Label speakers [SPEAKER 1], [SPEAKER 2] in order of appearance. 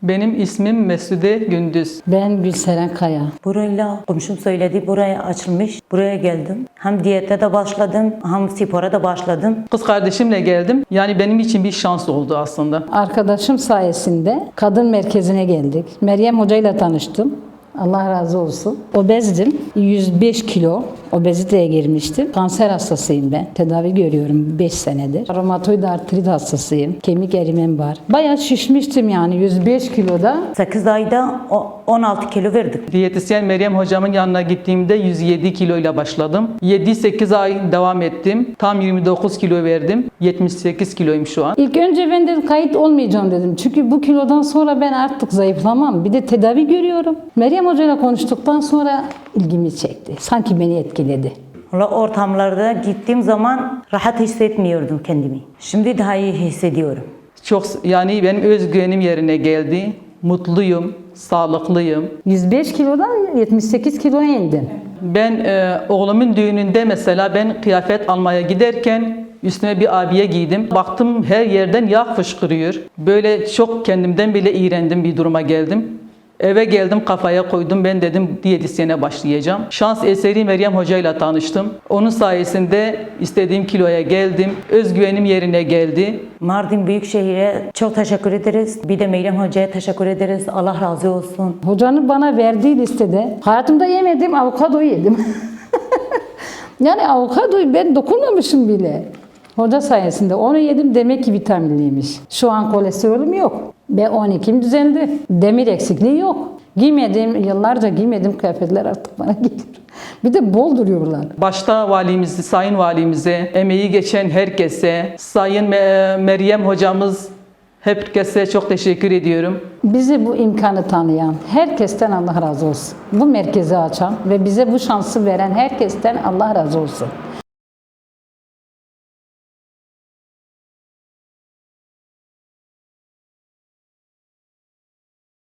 [SPEAKER 1] Benim ismim Mesude Gündüz.
[SPEAKER 2] Ben Gülseren Kaya.
[SPEAKER 3] Burayla komşum söyledi, buraya açılmış. Buraya geldim. Hem diyete de başladım, hem spora da başladım.
[SPEAKER 1] Kız kardeşimle geldim. Yani benim için bir şans oldu aslında.
[SPEAKER 2] Arkadaşım sayesinde kadın merkezine geldik. Meryem Hoca ile tanıştım. Allah razı olsun. Obezdim. 105 kilo obeziteye girmiştim. Kanser hastasıyım ben. Tedavi görüyorum 5 senedir. Romatoid artrit hastasıyım. Kemik erimem var. Bayağı şişmiştim yani 105 kiloda.
[SPEAKER 3] 8 ayda 16 kilo verdik.
[SPEAKER 1] Diyetisyen Meryem hocamın yanına gittiğimde 107 kiloyla başladım. 7-8 ay devam ettim. Tam 29 kilo verdim. 78 kiloyum şu an.
[SPEAKER 2] İlk önce ben de kayıt olmayacağım dedim. Çünkü bu kilodan sonra ben artık zayıflamam. Bir de tedavi görüyorum. Meryem Hoca ile konuştuktan sonra ilgimi çekti. Sanki beni etkiledi.
[SPEAKER 3] Valla ortamlarda gittiğim zaman rahat hissetmiyordum kendimi. Şimdi daha iyi hissediyorum.
[SPEAKER 1] Çok yani benim özgüvenim yerine geldi. Mutluyum, sağlıklıyım.
[SPEAKER 2] 105 kilodan 78 kiloya indim.
[SPEAKER 1] Ben oğlumun düğününde mesela ben kıyafet almaya giderken üstüme bir abiye giydim. Baktım her yerden yağ fışkırıyor. Böyle çok kendimden bile iğrendim bir duruma geldim. Eve geldim kafaya koydum ben dedim diyetisyene başlayacağım. Şans eseri Meryem Hoca ile tanıştım. Onun sayesinde istediğim kiloya geldim. Özgüvenim yerine geldi.
[SPEAKER 3] Mardin Büyükşehir'e çok teşekkür ederiz. Bir de Meryem Hoca'ya teşekkür ederiz. Allah razı olsun.
[SPEAKER 2] Hocanın bana verdiği listede hayatımda yemediğim avokado yedim. Yani avokadoyu ben dokunmamışım bile. Hoca sayesinde onu yedim, demek ki vitaminliymiş. Şu an kolesterolüm yok. B12'm düzeldi. Demir eksikliği yok. Yıllarca giymediğim kıyafetler artık bana gelir. Bir de bol duruyorlar.
[SPEAKER 1] Başta valimizi, sayın valimize, emeği geçen herkese, sayın Meryem hocamız, herkese çok teşekkür ediyorum.
[SPEAKER 2] Bize bu imkanı tanıyan herkesten Allah razı olsun. Bu merkezi açan ve bize bu şansı veren herkesten Allah razı olsun.